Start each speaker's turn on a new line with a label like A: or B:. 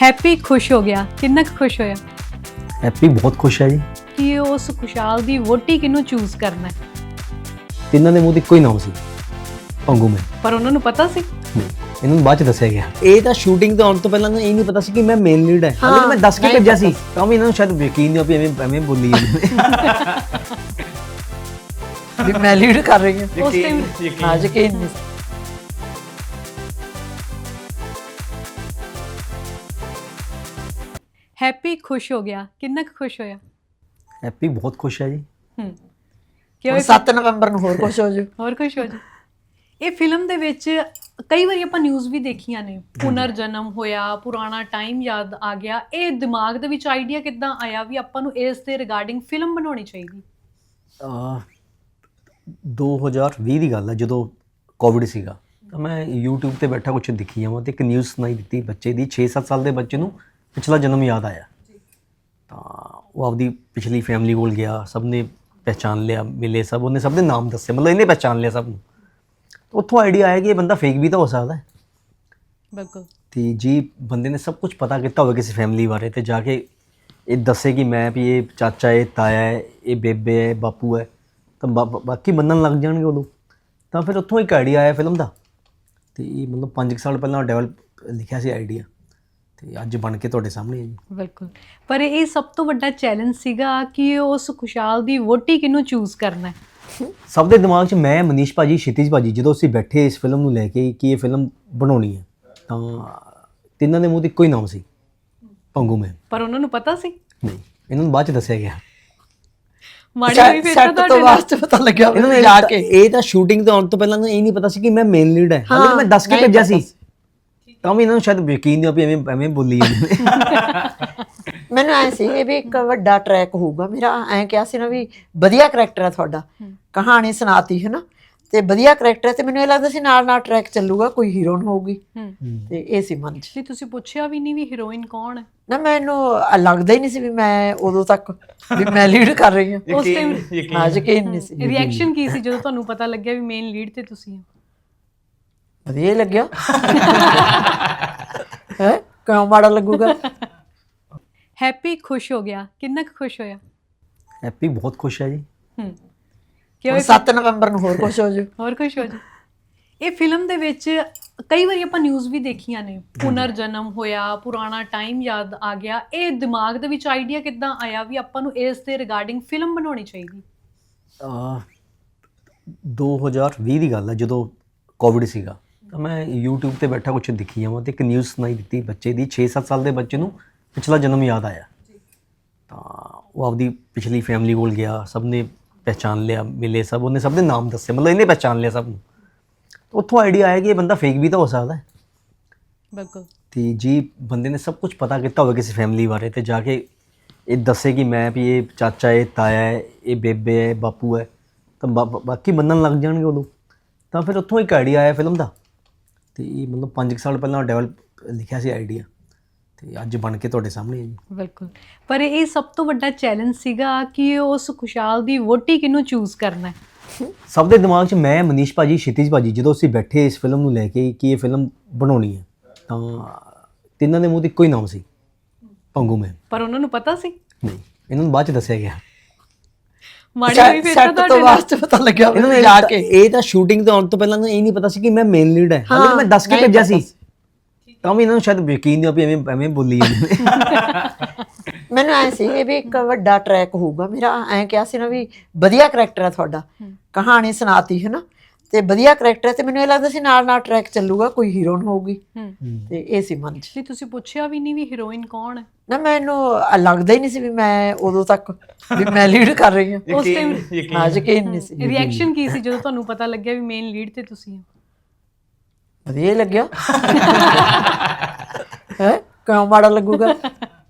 A: Happy ਖੁਸ਼ ਹੋ ਗਿਆ। ਕਿੰਨਾ ਕੁ ਖੁਸ਼ ਹੋਇਆ
B: ਹੈਪੀ ਬਹੁਤ ਖੁਸ਼ ਹੈ ਜੀ।
A: ਕਿ ਉਸ ਖੁਸ਼ਹਾਲ ਦੀ ਵੋਟੀ ਕਿਹਨੂੰ ਚੂਜ਼ ਕਰਨਾ ਹੈ?
B: ਤਿੰਨਾਂ ਦੇ ਮੂੰਹ ਤੇ ਇੱਕੋ ਹੀ ਨਾਮ ਸੀ, ਪੰਗੂ ਮੈਂ।
A: ਪਰ ਉਹਨਾਂ ਨੂੰ ਪਤਾ ਸੀ।
B: ਨਹੀਂ, ਇਹਨਾਂ ਨੂੰ ਬਾਅਦ ਚ ਦੱਸਿਆ ਗਿਆ। ਇਹ ਤਾਂ ਸ਼ੂਟਿੰਗ ਤੋਂ ਆਉਣ ਤੋਂ ਪਹਿਲਾਂ ਇਹ ਨਹੀਂ ਪਤਾ ਸੀ ਕਿ ਮੈਂ ਮੇਨ ਲੀਡ ਹੈ। ਹਾਲੇ ਮੈਂ ਦੱਸ ਕੇ ਭੇਜਿਆ ਸੀ, ਤਾਂ ਵੀ ਇਹਨਾਂ ਨੂੰ ਸ਼ਾਇਦ ਯਕੀਨ ਨਹੀਂ ਵੀ ਐਵੇਂ ਬੋਲੀ
C: ਵੀ ਮੈਂ ਲੀਡ ਕਰ ਰਹੀ ਹਾਂ।
A: ਉਸ ਟਾਈਮ
C: ਹਾਂ, ਯਕੀਨ ਨਹੀਂ।
A: ਹੈਪੀ ਖੁਸ਼ ਹੋ ਗਿਆ। ਕਿੰਨਾ ਕੁ ਖੁਸ਼ ਹੋਇਆ
B: ਹੈਪੀ ਬਹੁਤ ਖੁਸ਼ ਹੈ ਜੀ।
A: ਕਿ
C: 7 ਨਵੰਬਰ ਨੂੰ ਹੋਰ ਕੁਝ ਹੋ ਜੂ।
A: ਹੋਰ ਖੁਸ਼ ਹੋ ਜਾ। ਇਹ ਫਿਲਮ ਦੇ ਵਿੱਚ ਕਈ ਵਾਰੀ ਆਪਾਂ ਨਿਊਜ਼ ਵੀ ਦੇਖੀਆਂ ਨੇ, ਪੁਨਰ ਜਨਮ ਹੋਇਆ, ਪੁਰਾਣਾ ਟਾਈਮ ਯਾਦ ਆ ਗਿਆ। ਇਹ ਦਿਮਾਗ ਦੇ ਵਿੱਚ ਆਈਡੀਆ ਕਿੱਦਾਂ ਆਇਆ ਵੀ ਆਪਾਂ ਨੂੰ ਇਸ ਦੇ ਰਿਗਾਰਡਿੰਗ ਫਿਲਮ ਬਣਾਉਣੀ ਚਾਹੀਦੀ?
B: 2020 ਦੀ ਗੱਲ ਹੈ, ਜਦੋਂ ਕੋਵਿਡ ਸੀਗਾ, ਤਾਂ ਮੈਂ YouTube ਤੇ ਬੈਠਾ ਕੁਝ ਦਿਖੀ ਜਾਵਾਂ ਤੇ ਇੱਕ ਨਿਊਜ਼ ਸੁਣਾਈ ਦਿੱਤੀ ਬੱਚੇ ਦੀ। 6-7 ਸਾਲ ਦੇ ਬੱਚੇ ਨੂੰ ਪਿਛਲਾ ਜਨਮ ਯਾਦ ਆਇਆ, ਤਾਂ ਉਹ ਆਪਦੀ ਪਿਛਲੀ ਫੈਮਿਲੀ ਕੋਲ ਗਿਆ, ਸਭ ਨੇ ਪਹਿਚਾਨ ਲਿਆ, ਮਿਲੇ ਸਭ, ਉਹਨੇ ਸਭ ਦੇ ਨਾਮ ਦੱਸੇ, ਮਤਲਬ ਇਹਨੇ ਪਹਿਚਾਨ ਲਿਆ ਸਭ ਨੂੰ। ਉੱਥੋਂ ਆਈਡੀਆ ਆਇਆ ਕਿ ਇਹ ਬੰਦਾ ਫੇਕ ਵੀ ਤਾਂ ਹੋ ਸਕਦਾ ਹੈ।
A: ਬਿਲਕੁਲ।
B: ਤੇ ਜੀ ਬੰਦੇ ਨੇ ਸਭ ਕੁਝ ਪਤਾ ਕੀਤਾ ਹੋਵੇ ਕਿਸੇ ਫੈਮਿਲੀ ਬਾਰੇ, ਤੇ ਜਾ ਕੇ ਇਹ ਦੱਸੇ ਕਿ ਮੈਂ ਵੀ ਇਹ ਚਾਚਾ ਹੈ, ਤਾਇਆ ਹੈ, ਇਹ ਬੇਬੇ ਹੈ, ਬਾਪੂ ਹੈ, ਤਾਂ ਬਾਕੀ ਮੰਨਣ ਲੱਗ ਜਾਣਗੇ ਉਦੋਂ। ਤਾਂ ਫਿਰ ਉੱਥੋਂ ਇੱਕ ਆਈਡੀਆ ਆਇਆ ਫਿਲਮ ਦਾ, ਤੇ ਇਹ ਮਤਲਬ 5 ਸਾਲ ਪਹਿਲਾਂ ਡਿਵੈਲਪ ਲਿਖਿਆ ਸੀ ਆਈਡੀਆ, ਤੇ ਅੱਜ ਬਣ ਕੇ ਤੁਹਾਡੇ ਸਾਹਮਣੇ ਹੈ ਜੀ।
A: ਬਿਲਕੁਲ। ਪਰ ਇਹ ਸਭ ਤੋਂ ਵੱਡਾ ਚੈਲੰਜ ਸੀਗਾ ਕਿ ਉਸ ਖੁਸ਼ਹਾਲ ਦੀ ਵੋਟੀ ਕਿਹਨੂੰ ਚੂਜ਼ ਕਰਨਾ ਹੈ।
B: ਸਭ ਦੇ ਦਿਮਾਗ 'ਚ ਮੈਂ, ਮਨੀਸ਼ ਭਾਜੀ, ਸ਼ਿਤਿਜ ਭਾਜੀ, ਜਦੋਂ ਅਸੀਂ ਬੈਠੇ ਇਸ ਫਿਲਮ ਨੂੰ ਲੈ ਕੇ ਕਿ ਇਹ ਫਿਲਮ ਬਣਾਉਣੀ ਹੈ, ਤਾਂ ਤਿੰਨਾਂ ਦੇ ਮੂੰਹ ਤੇ ਇੱਕੋ ਹੀ ਨਾਮ ਸੀ, ਪੰਗੂ ਮੈਂ।
A: ਪਰ ਉਹਨਾਂ ਨੂੰ ਪਤਾ ਸੀ।
B: ਨਹੀਂ, ਇਹਨਾਂ ਨੂੰ ਬਾਅਦ ਚ ਦੱਸਿਆ ਗਿਆ।
A: ਮਾੜੀ ਹੋਈ ਫਿਰ ਤਾਂ
C: ਸੈੱਟ ਤੋਂ
A: ਤੁਹਾਡੇ
C: ਬਾਅਦ ਚ ਪਤਾ ਲੱਗਿਆ
B: ਇਹਨਾਂ ਨੂੰ
C: ਜਾ ਕੇ।
B: ਇਹ ਤਾਂ ਸ਼ੂਟਿੰਗ ਤੋਂ ਆਉਣ ਤੋਂ ਪਹਿਲਾਂ ਇਹ ਨਹੀਂ ਪਤਾ ਸੀ ਕਿ ਮੈਂ ਮੇਨ ਲੀਡ ਹੈ। ਹਾਲੇ ਮੈਂ ਦੱਸ ਕੇ ਭੇਜਿਆ ਸੀ, ਤਾਂ ਵੀ ਇਹਨਾਂ ਨੂੰ ਸ਼ਾਇਦ ਯਕੀਨ ਨਹੀਂ ਵੀ ਐਵੇਂ ਬੋਲੀ
C: ਮੈਨੂੰ ਐ ਸੀ ਇਹ ਵੀ ਇੱਕ ਵੱਡਾ ਟਰੈਕ ਹੋਊਗਾ ਮੇਰਾ। ਐਂ ਕਿਹਾ ਸੀ ਨਾ ਵੀ ਵਧੀਆ ਕਰੈਕਟਰ ਹੈ ਤੁਹਾਡਾ, ਕਹਾਣੀ ਸੁਣਾਤੀ ਹੈ ਨਾ, ਤੇ ਵਧੀਆ ਕਰੈਕਟਰ ਹੈ, ਤੇ ਮੈਨੂੰ ਇਹ ਲੱਗਦਾ ਸੀ ਨਾਲ ਨਾਲ ਟਰੈਕ ਚੱਲੂਗਾ, ਕੋਈ ਹੀਰੋਇਨ ਹੋਊਗੀ, ਤੇ ਇਹ ਸੀ ਮਨ 'ਚ।
A: ਜੀ ਤੁਸੀਂ ਪੁੱਛਿਆ ਵੀ ਨਹੀਂ ਵੀ ਹੀਰੋਇਨ ਕੌਣ ਹੈ?
C: ਨਾ ਮੈਨੂੰ ਲੱਗਦਾ ਹੀ ਨਹੀਂ ਸੀ ਵੀ ਮੈਂ ਉਦੋਂ ਤੱਕ ਵੀ ਮੈਂ ਲੀਡ ਕਰ ਰਹੀ ਹਾਂ।
A: ਉਸ ਟਾਈਮ
C: ਹਾਂ, ਯਕੀਨ ਨਹੀਂ ਸੀ।
A: ਰਿਐਕਸ਼ਨ ਕੀ ਸੀ ਜਦੋਂ ਤੁਹਾਨੂੰ ਪਤਾ ਲੱਗਿਆ ਵੀ ਮੇਨ ਲੀਡ ਤੇ ਤੁਸੀਂ ਹੋ?
C: ਵਧੀਆ ਹੀ ਲੱਗਿਆ। ਹੈ ਕਿਉਂ ਮਾੜਾ ਲੱਗੂਗਾ?
A: ਹੈਪੀ ਖੁਸ਼ ਹੋ ਗਿਆ। ਕਿੰਨਾ ਕੁ ਖੁਸ਼ ਹੋਇਆ
B: ਹੈਪੀ ਬਹੁਤ ਖੁਸ਼ ਹੈ ਜੀ।
A: ਕਿ
C: 7 ਨਵੰਬਰ ਨੂੰ ਹੋਰ ਕੁਝ ਹੋ ਜੂ।
A: ਹੋਰ ਖੁਸ਼ ਹੋ ਜਾ। ਇਹ ਫਿਲਮ ਦੇ ਵਿੱਚ ਕਈ ਵਾਰੀ ਆਪਾਂ ਨਿਊਜ਼ ਵੀ ਦੇਖੀਆਂ ਨੇ, ਪੁਨਰ ਜਨਮ ਹੋਇਆ, ਪੁਰਾਣਾ ਟਾਈਮ ਯਾਦ ਆ ਗਿਆ। ਇਹ ਦਿਮਾਗ ਦੇ ਵਿੱਚ ਆਈਡੀਆ ਕਿੱਦਾਂ ਆਇਆ ਵੀ ਆਪਾਂ ਨੂੰ ਇਸ ਦੇ ਰਿਗਾਰਡਿੰਗ ਫਿਲਮ ਬਣਾਉਣੀ ਚਾਹੀਦੀ?
B: 2020 ਦੀ ਗੱਲ ਹੈ, ਜਦੋਂ ਕੋਵਿਡ ਸੀਗਾ, ਤਾਂ ਮੈਂ YouTube ਤੇ ਬੈਠਾ ਕੁਝ ਦਿਖੀ ਜਾਵਾਂ ਤੇ ਇੱਕ ਨਿਊਜ਼ ਸੁਣਾਈ ਦਿੱਤੀ ਬੱਚੇ ਦੀ। 6-7 ਸਾਲ ਦੇ ਬੱਚੇ ਨੂੰ ਪਿਛਲਾ ਜਨਮ ਯਾਦ ਆਇਆ, ਤਾਂ ਉਹ ਆਪਦੀ ਪਿਛਲੀ ਫੈਮਿਲੀ ਕੋਲ ਗਿਆ, ਸਭ ਨੇ ਪਹਿਚਾਨ ਲਿਆ, ਮਿਲੇ ਸਭ, ਉਹਨੇ ਸਭ ਦੇ ਨਾਮ ਦੱਸੇ, ਮਤਲਬ ਇਹਨੇ ਪਹਿਚਾਨ ਲਿਆ ਸਭ ਨੂੰ। ਉੱਥੋਂ ਆਈਡੀਆ ਆਇਆ ਕਿ ਇਹ ਬੰਦਾ ਫੇਕ ਵੀ ਤਾਂ ਹੋ ਸਕਦਾ ਹੈ।
A: ਬਿਲਕੁਲ।
B: ਤੇ ਜੀ ਬੰਦੇ ਨੇ ਸਭ ਕੁਝ ਪਤਾ ਕੀਤਾ ਹੋਵੇ ਕਿਸੇ ਫੈਮਿਲੀ ਬਾਰੇ, ਤੇ ਜਾ ਕੇ ਇਹ ਦੱਸੇ ਕਿ ਮੈਂ ਵੀ ਇਹ ਚਾਚਾ ਹੈ, ਤਾਇਆ ਹੈ, ਇਹ ਬੇਬੇ ਹੈ, ਬਾਪੂ ਹੈ, ਤਾਂ ਬਾਕੀ ਮੰਨਣ ਲੱਗ ਜਾਣਗੇ ਉਦੋਂ। ਤਾਂ ਫਿਰ ਉੱਥੋਂ ਇੱਕ ਆਈਡੀਆ ਆਇਆ ਫਿਲਮ ਦਾ, ਤੇ ਇਹ ਮਤਲਬ 5 ਸਾਲ ਪਹਿਲਾਂ ਡਿਵੈਲਪ ਲਿਖਿਆ ਸੀ ਆਈਡੀਆ, ਤੇ ਅੱਜ ਬਣ ਕੇ ਤੁਹਾਡੇ ਸਾਹਮਣੇ ਹੈ ਜੀ।
A: ਬਿਲਕੁਲ। ਪਰ ਇਹ ਸਭ ਤੋਂ ਵੱਡਾ ਚੈਲੰਜ ਸੀਗਾ ਕਿ ਉਸ ਖੁਸ਼ਹਾਲ ਦੀ ਵੋਟੀ ਕਿਹਨੂੰ ਚੂਜ਼ ਕਰਨਾ ਹੈ।
B: ਸਭ ਦੇ ਦਿਮਾਗ 'ਚ ਮੈਂ, ਮਨੀਸ਼ ਭਾਜੀ, ਸ਼ਿਤਿਜ ਭਾਜੀ, ਜਦੋਂ ਅਸੀਂ ਬੈਠੇ ਇਸ ਫਿਲਮ ਨੂੰ ਲੈ ਕੇ ਕਿ ਇਹ ਫਿਲਮ ਬਣਾਉਣੀ ਹੈ, ਤਾਂ ਤਿੰਨਾਂ ਦੇ ਮੂੰਹ ਤੇ ਇੱਕੋ ਹੀ ਨਾਮ ਸੀ, ਪੰਗੂ ਮੈਂ।
A: ਪਰ ਉਹਨਾਂ ਨੂੰ ਪਤਾ ਸੀ।
B: ਨਹੀਂ, ਇਹਨਾਂ ਨੂੰ ਬਾਅਦ ਚ ਦੱਸਿਆ ਗਿਆ।
A: ਮਾੜੀ ਹੋਈ ਫਿਰ ਤਾਂ
C: ਸੈੱਟ ਤੋਂ
A: ਤੁਹਾਡੇ
C: ਬਾਅਦ ਚ ਪਤਾ ਲੱਗਿਆ
B: ਇਹਨਾਂ ਨੂੰ
C: ਜਾ ਕੇ।
B: ਇਹ ਤਾਂ ਸ਼ੂਟਿੰਗ ਤੋਂ ਆਉਣ ਤੋਂ ਪਹਿਲਾਂ ਇਹ ਨਹੀਂ ਪਤਾ ਸੀ ਕਿ ਮੈਂ ਮੇਨ ਲੀਡ ਹੈ। ਹਾਲੇ ਮੈਂ ਦੱਸ ਕੇ ਭੇਜਿਆ ਸੀ, ਤਾਂ ਵੀ ਇਹਨਾਂ ਨੂੰ ਸ਼ਾਇਦ ਯਕੀਨ ਨਹੀਂ ਵੀ ਐਵੇਂ ਬੋਲੀ
C: ਮੈਨੂੰ ਐ ਸੀ ਇਹ ਵੀ ਇੱਕ ਵੱਡਾ ਟਰੈਕ ਹੋਊਗਾ ਮੇਰਾ। ਐਂ ਕਿਹਾ ਸੀ ਨਾ ਵੀ ਵਧੀਆ ਕਰੈਕਟਰ ਹੈ ਤੁਹਾਡਾ, ਕਹਾਣੀ ਸੁਣਾਤੀ ਹੈ ਨਾ, ਤੇ ਵਧੀਆ ਕਰੈਕਟਰ ਹੈ, ਤੇ ਮੈਨੂੰ ਇਹ ਲੱਗਦਾ ਸੀ ਨਾਲ ਨਾਲ ਟਰੈਕ ਚੱਲੂਗਾ, ਕੋਈ ਹੀਰੋਇਨ ਹੋਊਗੀ, ਤੇ ਇਹ ਸੀ ਮਨ 'ਚ।
A: ਜੀ ਤੁਸੀਂ ਪੁੱਛਿਆ ਵੀ ਨਹੀਂ ਵੀ ਹੀਰੋਇਨ ਕੌਣ ਹੈ?
C: ਨਾ ਮੈਨੂੰ ਲੱਗਦਾ ਹੀ ਨਹੀਂ ਸੀ ਵੀ ਮੈਂ ਉਦੋਂ ਤੱਕ ਵੀ ਮੈਂ ਲੀਡ ਕਰ ਰਹੀ ਹਾਂ।
A: ਉਸ ਟਾਈਮ
C: ਹਾਂ, ਯਕੀਨ ਨਹੀਂ ਸੀ।
A: ਰਿਐਕਸ਼ਨ ਕੀ ਸੀ ਜਦੋਂ ਤੁਹਾਨੂੰ ਪਤਾ ਲੱਗਿਆ ਵੀ ਮੇਨ ਲੀਡ ਤੇ ਤੁਸੀਂ ਹੋ?
C: ਵਧੀਆ ਹੀ ਲੱਗਿਆ। ਹੈ ਕਿਉਂ ਮਾੜਾ ਲੱਗੂਗਾ?